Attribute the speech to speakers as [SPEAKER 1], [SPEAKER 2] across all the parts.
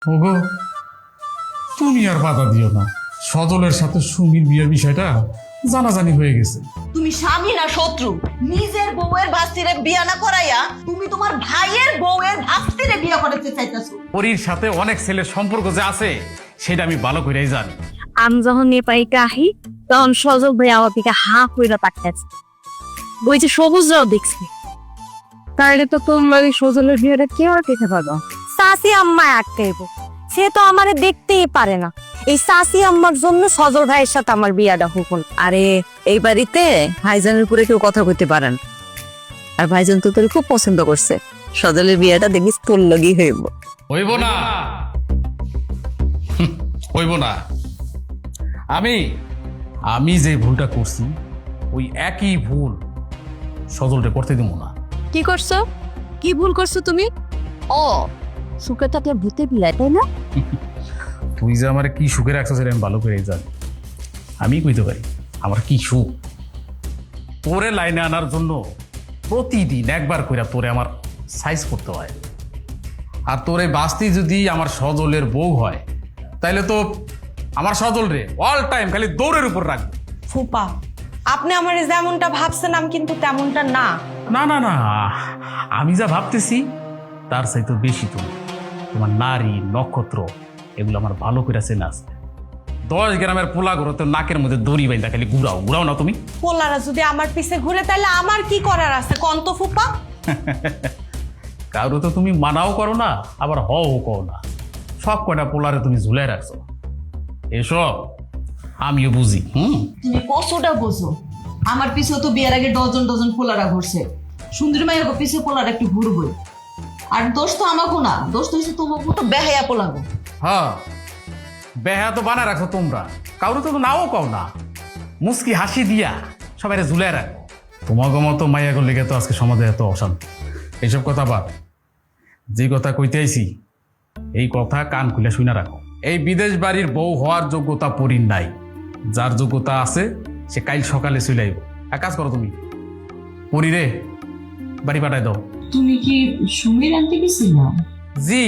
[SPEAKER 1] ওগো, তুমি আর বাধা দিও না। সজলের সাথে সুমির বিয়ের বিষয়টা জানাজানি হয়ে গেছে।
[SPEAKER 2] তুমি স্বামী না শত্রু? নিজের বউয়ের ভাস্তিরে বিয়া না করাইয়া তুমি তোমার ভাইয়ের বউয়ের ভাস্তিরে বিয়া করাতে চাইতেছো।
[SPEAKER 1] পরীর সাথে অনেক ছেলের সম্পর্ক যে আছে সেটা আমি ভালো করেই জানি।
[SPEAKER 3] আমি যখন নেপাইতে আহি তখন সজল ভাই আমার দিকে হাঁ কইরা তাকাইছে। ওই যে সবুজরাও দেখছি। তাহলে তো তোমার এই সজলের বিয়েটা কে আটকাইতে পারো? সাসি আম্মা আটকাইব। সে তো আমারে দেখতেই পারে না। এই সাসি আম্মার জন্য সজল ভাইয়ের সাথে আমার বিয়াটা হুকুন।
[SPEAKER 4] আরে এই বাড়িতে ভাইজানের উপরে কেউ কথা কইতে পারেন। আর ভাইজান তো তোর খুব পছন্দ করছে। সজলের বিয়েটা দেখিস তোর লগি হইব।
[SPEAKER 1] হইব না, হইব না। আমি যে ভুলটা করছি ওই একই ভুল সজলটা করতে দিব না।
[SPEAKER 3] কি করছো? কি ভুল করছো তুমি? ও সুখে তাকে ভূতে বিলাই, তাই না?
[SPEAKER 1] তুই যে আমার কি সুখে রাখছিস আমি ভালো করে জানি। আমি কইতে পারি আমার কি সুখ। তোরে লাইনে আনার জন্য প্রতিদিন একবার কইরা তোরে আমার সাইজ করতে হয়। আর তোরে বাস্তি যদি আমার সজলের বউ হয় তাইলে তো আমার সজল রে অল টাইম খালি দৌড়ের উপর রাখবে।
[SPEAKER 5] ফুপা, আপনি আমার যেমনটা ভাবছেন আমি কিন্তু তেমনটা না।
[SPEAKER 1] না না না, আমি যা ভাবতেছি তার চাইতে বেশি তুমি। তোমার নারী নক্ষত্র এগুলো আমার ভালো করে চেনা আছে। 10 গ্রামের পোলা ঘুরো তো নাকের মধ্যে দড়ি বাইন্দা খালি ঘুরাও না তুমি।
[SPEAKER 5] পোলারা যদি আমার পিছে ঘুরে তাহলে আমার কি করার আছে কন্ত ফুপা?
[SPEAKER 1] কারো তো তুমি মানাও করো না, আবার হও করো না। সব কয়টা পোলারে তুমি ঝুলাই রাখছো। এসব আমিও বুঝি।
[SPEAKER 2] তুমি কষ্টটা বোঝো। আমার পিছেও তো বিয়ের আগে ডজন ডজন পোলারা ঘুরছে। সুন্দরী মায়ের পিছে পোলারা একটু ঘুরবই। আর দোষ তো আমাকে না, দোষ তো হচ্ছে তোমাকে তো বেহায়া পোলাগো।
[SPEAKER 1] হ্যাঁ, বেহা তো বানা রাখো তোমরা। কারো তো নাও কও না, মুস্কি হাসি দিয়া সবাই ঝুলাই রাখো। তোমাকে মতো মাইয়াগুলো লেগে তো আজকে সমাজে এত অশান্তি। এইসব কথা বাদ, যে কথা কইতে আইছি এই কথা কান খুলে শুনে রাখো। এই বিদেশ বাড়ির বউ হওয়ার যোগ্যতা পরীর নাই। যার যোগ্যতা আছে সে কাল সকালে চলে আইব। এক কাজ করো তুমি, পরী রে বাড়ি পাঠাই দাও।
[SPEAKER 2] তুমি কি সুমির আনতে গেছিলা?
[SPEAKER 1] জি।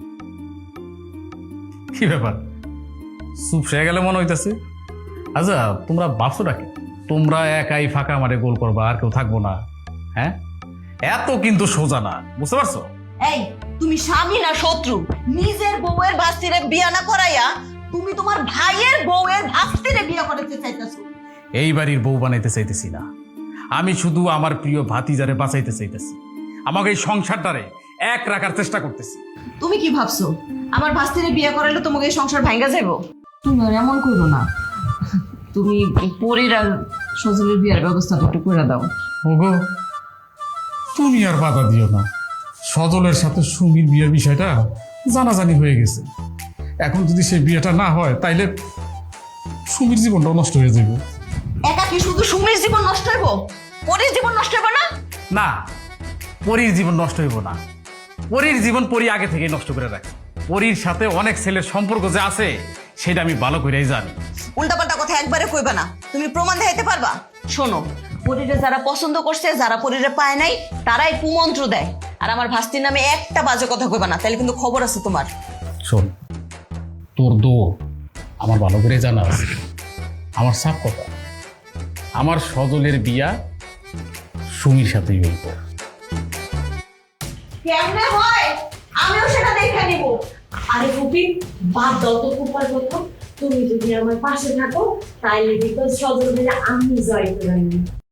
[SPEAKER 1] কি ব্যাপার, চুপ সে গেলে মনে হইতেছে? আচ্ছা, তোমরা ভাবছো নাকি তোমরা একাই ফাঁকা মারে গোল করবা আর কেউ থাকবো না? হ্যাঁ, এত কিন্তু সোজা না, বুঝতে পারছো?
[SPEAKER 2] এই, তুমি স্বামী না শত্রু? নিজের বউয়ের ভাস্তিরে বিয়া না করাইয়া তুমি তোমার ভাইয়ের বউয়ের ভাস্তিরে বিয়া করতে চাইতেছো।
[SPEAKER 1] এই বাড়ির বউ বানাইতে চাইতেছি না, আমি শুধু আমার প্রিয় ভাতিজারে বাঁচাইতে চাইতেছি। আমাকে এই সংসারটারে এক রাখার চেষ্টা করতেছি।
[SPEAKER 2] তুমি কি ভাবছো আমার ভাস্তিরে বিয়া করাইলে তোমাকে এই সংসার ভাঙ্গা যাবো? তুমি আর এমন করো না। তুমি পরীর আর সজলের বিয়ার ব্যবস্থাটা একটু করে দাও।
[SPEAKER 1] ওগো, তুমি আর বাধা দিও না। সজলের সাথে সুমির বিয়ের বিষয়টা জানাজানি হয়ে গেছে। এখন যদি সেই বিয়েটা না হয় তাইলে সুমির জীবনটাও নষ্ট হয়ে যাবে।
[SPEAKER 2] একা কি শুধু সুমির জীবন নষ্ট হইব? পরীর জীবন নষ্ট হইব না?
[SPEAKER 1] না, পরীর জীবন নষ্ট হইব না। পরীর জীবন পরী আগে থেকে নষ্ট করে রাখে। পরীর সাথে অনেক ছেলের সম্পর্ক যে আছে সেটা আমি ভালো করেই জানি।
[SPEAKER 2] উল্টাপাল্টা কথা একবারে কইবা না। তুমি প্রমাণ দেখাইতে পারবা? শোনো, পরীরে যারা পছন্দ করছে, যারা পরীরে পায় নাই, তারাই কুমন্ত্র দেয়। আর আমার ভাস্তির নামে একটা বাজে কথা কইবা না, তাহলে কিন্তু খবর আছে তোমার।
[SPEAKER 1] শোন, তোর দৌড় আমার ভালো করে জানা আছে। আমার সাফ কথা, আমার সজলের বিয়া সুমির সাথেই হইব।
[SPEAKER 2] কেমনে হয় আমিও সেটা দেখে নিব।
[SPEAKER 5] আরে ফুপি, বাদ দাও তো ফুপার কথা। তুমি যদি আমার পাশে থাকো তাইলে বিকজ সজল মিলে আমি জয় করে নিই।